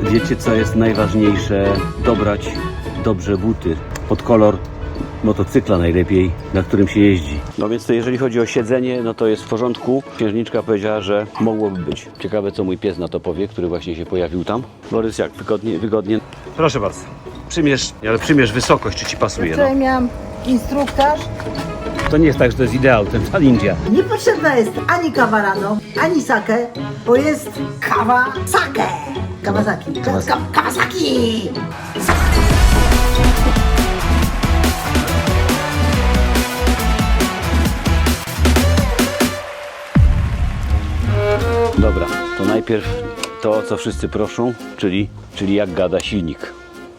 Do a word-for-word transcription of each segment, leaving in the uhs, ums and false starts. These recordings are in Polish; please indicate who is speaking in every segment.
Speaker 1: Wiecie, co jest najważniejsze? Dobrać dobrze buty pod kolor motocykla najlepiej, na którym się jeździ. No więc to jeżeli chodzi o siedzenie, no to jest w porządku. Księżniczka powiedziała, że mogłoby być. Ciekawe, co mój pies na to powie, który właśnie się pojawił tam. Borys, jak? Wygodnie? wygodnie? Proszę bardzo. Przymierz, ale przymierz wysokość, czy ci pasuje.
Speaker 2: Wczoraj
Speaker 1: No.
Speaker 2: miałam instruktaż.
Speaker 1: To nie jest tak, że to jest ideał, ten ta India.
Speaker 2: Niepotrzebna jest ani kawa rano, ani sake, bo jest kawa sake. Kawasaki.
Speaker 1: Kawasaki.
Speaker 2: Ka Kawasaki!
Speaker 1: Dobra, to najpierw to, o co wszyscy proszą, czyli, czyli jak gada silnik.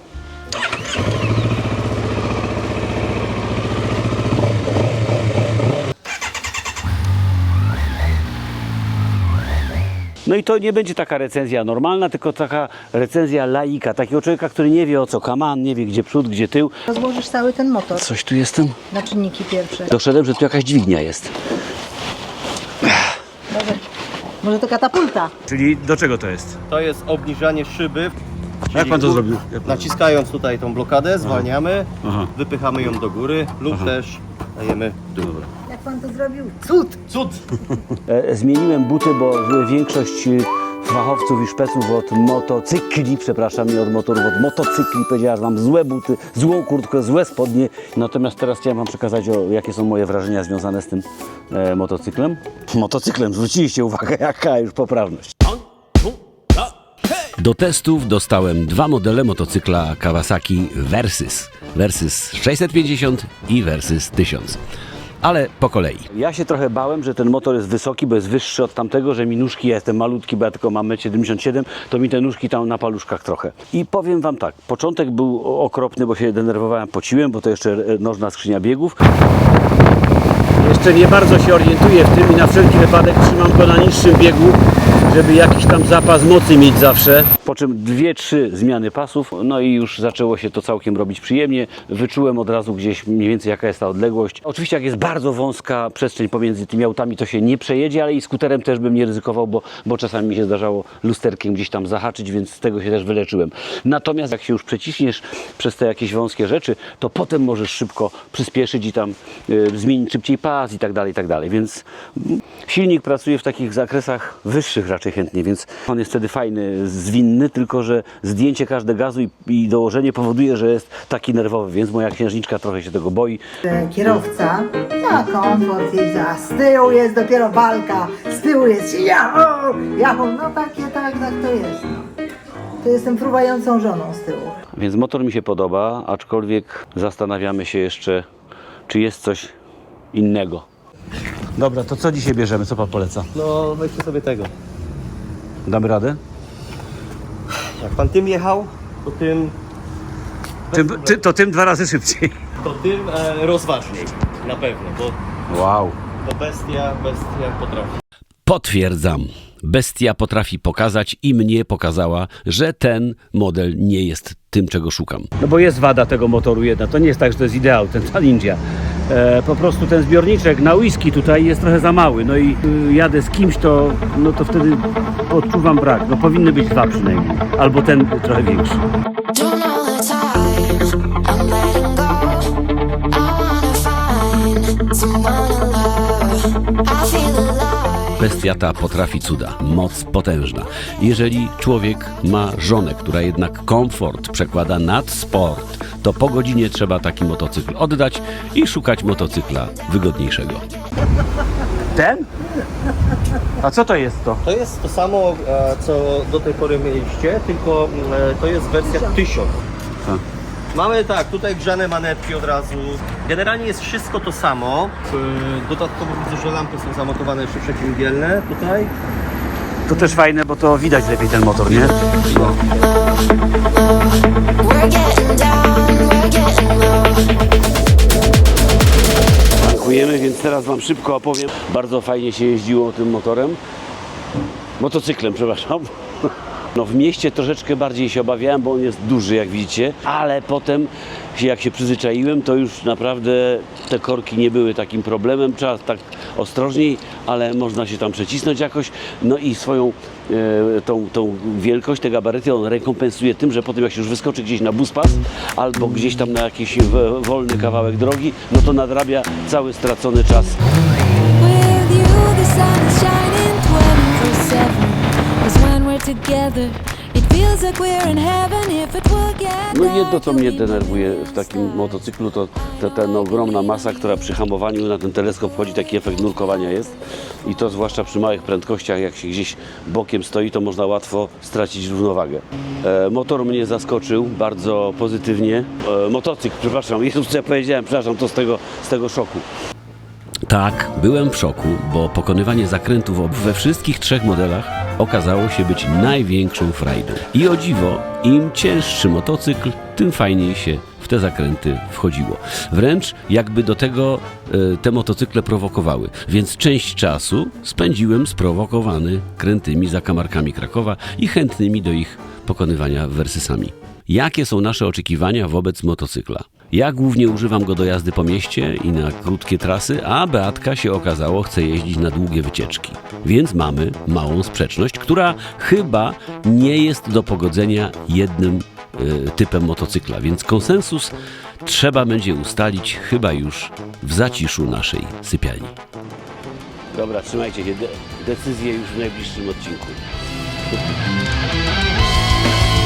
Speaker 1: No i to nie będzie taka recenzja normalna, tylko taka recenzja laika, takiego człowieka, który nie wie, o co kaman, nie wie, gdzie przód, gdzie tył.
Speaker 2: Rozłożysz cały ten motor
Speaker 1: Coś tu jestem?
Speaker 2: na czynniki pierwsze.
Speaker 1: Doszedłem, że tu jakaś dźwignia jest.
Speaker 2: Może, może to katapulta.
Speaker 1: Czyli do czego to jest?
Speaker 3: To jest obniżanie szyby.
Speaker 1: Jak
Speaker 3: Czyli
Speaker 1: pan to
Speaker 3: tu-
Speaker 1: zrobił? Jak pan-
Speaker 3: Naciskając tutaj tą blokadę, zwalniamy,
Speaker 1: Aha.
Speaker 3: wypychamy ją do góry lub też dajemy w dół.
Speaker 2: Jak pan to zrobił? Cud!
Speaker 3: Cud!
Speaker 1: E, Zmieniłem buty, bo większość e, fachowców i szpeców od motocykli, przepraszam, nie od motorów, od motocykli powiedziała, że mam złe buty, złą kurtkę, złe spodnie. Natomiast teraz chciałem wam przekazać, o, jakie są moje wrażenia związane z tym e, motocyklem. Motocyklem, zwróciliście uwagę, jaka już poprawność.
Speaker 4: Do testów dostałem dwa modele motocykla Kawasaki Versys. Versys sześćset pięćdziesiąt i Versys tysiąc. Ale po kolei.
Speaker 1: Ja się trochę bałem, że ten motor jest wysoki, bo jest wyższy od tamtego, że mi nóżki, ja jestem malutki, bo ja tylko mam metr siedemdziesiąt siedem, to mi te nóżki tam na paluszkach trochę. I powiem wam tak, początek był okropny, bo się denerwowałem, pociłem, bo to jeszcze e, nożna skrzynia biegów. Jeszcze nie bardzo się orientuję w tym i na wszelki wypadek trzymam go na niższym biegu, żeby jakiś tam zapas mocy mieć zawsze. Po czym dwie, trzy zmiany pasów, no i już zaczęło się to całkiem robić przyjemnie. Wyczułem od razu gdzieś mniej więcej jaka jest ta odległość. Oczywiście jak jest bardzo wąska przestrzeń pomiędzy tymi autami, to się nie przejedzie, ale i skuterem też bym nie ryzykował, bo, bo czasami mi się zdarzało lusterkiem gdzieś tam zahaczyć, więc z tego się też wyleczyłem. Natomiast jak się już przeciśniesz przez te jakieś wąskie rzeczy, to potem możesz szybko przyspieszyć i tam y, zmienić szybciej pas i tak dalej, i tak dalej. Więc mm, silnik pracuje w takich zakresach wyższych raczej chętnie, więc on jest wtedy fajny, zwinny, tylko że zdjęcie każde gazu i, i dołożenie powoduje, że jest taki nerwowy, więc moja księżniczka trochę się tego boi.
Speaker 2: Kierowca ma komfort jeździ, a z tyłu jest dopiero walka, z tyłu jest jaho, jaho, no takie, tak, tak to jest. No. To jestem fruwającą żoną z tyłu.
Speaker 1: Więc motor mi się podoba, aczkolwiek zastanawiamy się jeszcze, czy jest coś innego. Dobra, to co dzisiaj bierzemy? Co pan poleca?
Speaker 3: No weźcie sobie tego.
Speaker 1: Damy radę?
Speaker 3: Jak pan tym jechał, to tym,
Speaker 1: Tym, ty, to tym dwa razy szybciej.
Speaker 3: to tym e, rozważniej. Na pewno, bo
Speaker 1: Wow.
Speaker 3: to bestia, bestia potrafi.
Speaker 4: Potwierdzam. Bestia potrafi pokazać i mnie pokazała, że ten model nie jest tym, czego szukam.
Speaker 1: No bo jest wada tego motoru jedna, to nie jest tak, że to jest ideał, ten ta India. E, po prostu ten zbiorniczek na whisky tutaj jest trochę za mały, no i y, jadę z kimś, to, no to wtedy odczuwam brak. No powinny być dwa przynajmniej, albo ten trochę większy.
Speaker 5: Don't know the time, I'm letting go. I wanna find someone to love. I feel alive.
Speaker 4: Bestia ta potrafi cuda, moc potężna. Jeżeli człowiek ma żonę, która jednak komfort przekłada nad sport, to po godzinie trzeba taki motocykl oddać i szukać motocykla wygodniejszego.
Speaker 1: Ten? A co to jest to?
Speaker 3: To jest to samo, e, co do tej pory mieliście, tylko e, to jest wersja tysiąc.
Speaker 1: A.
Speaker 3: Mamy tak, tutaj grzane manetki od razu. Generalnie jest wszystko to samo. E, Dodatkowo widzę, że lampy są zamontowane jeszcze przeciwmgielne tutaj.
Speaker 1: To też fajne, bo to widać lepiej ten motor, nie? No.
Speaker 5: We're getting down, we're getting low.
Speaker 1: Dziękujemy, więc teraz wam szybko opowiem. Bardzo fajnie się jeździło tym motorem. Motocyklem, przepraszam. No w mieście troszeczkę bardziej się obawiałem, bo on jest duży, jak widzicie, ale potem jak się przyzwyczaiłem, to już naprawdę te korki nie były takim problemem. Trzeba tak ostrożniej, ale można się tam przecisnąć jakoś. No i swoją e, tą, tą wielkość, te gabaryty on rekompensuje tym, że potem jak się już wyskoczy gdzieś na buspas albo gdzieś tam na jakiś w, wolny kawałek drogi, no to nadrabia cały stracony czas.
Speaker 6: With you the sun is shining twenty-four seven. 'Cause when we're together it feels like we're in heaven. If it will get
Speaker 1: No i jedno,
Speaker 6: dark,
Speaker 1: co mnie
Speaker 6: you'll
Speaker 1: denerwuje
Speaker 6: be
Speaker 1: w takim
Speaker 6: inside.
Speaker 1: motocyklu, to ta, ta no, ogromna masa, która przy hamowaniu na ten teleskop wchodzi, taki efekt nurkowania jest. I to zwłaszcza przy małych prędkościach, jak się gdzieś bokiem stoi, to można łatwo stracić równowagę. E, motor mnie zaskoczył bardzo pozytywnie. E, motocykl, przepraszam, Jezus, co ja powiedziałem, przepraszam, to z tego, z tego szoku.
Speaker 4: Tak, byłem w szoku, bo pokonywanie zakrętów ob- we wszystkich trzech modelach okazało się być największą frajdą. I o dziwo, im cięższy motocykl, tym fajniej się w te zakręty wchodziło. Wręcz jakby do tego e, te motocykle prowokowały. Więc część czasu spędziłem sprowokowany krętymi zakamarkami Krakowa i chętnymi do ich pokonywania wersysami. Jakie są nasze oczekiwania wobec motocykla? Ja głównie używam go do jazdy po mieście i na krótkie trasy, a Beatka się okazało chce jeździć na długie wycieczki. Więc mamy małą sprzeczność, która chyba nie jest do pogodzenia jednym y, typem motocykla. Więc konsensus trzeba będzie ustalić chyba już w zaciszu naszej sypialni.
Speaker 1: Dobra, trzymajcie się, de- decyzje już w najbliższym odcinku.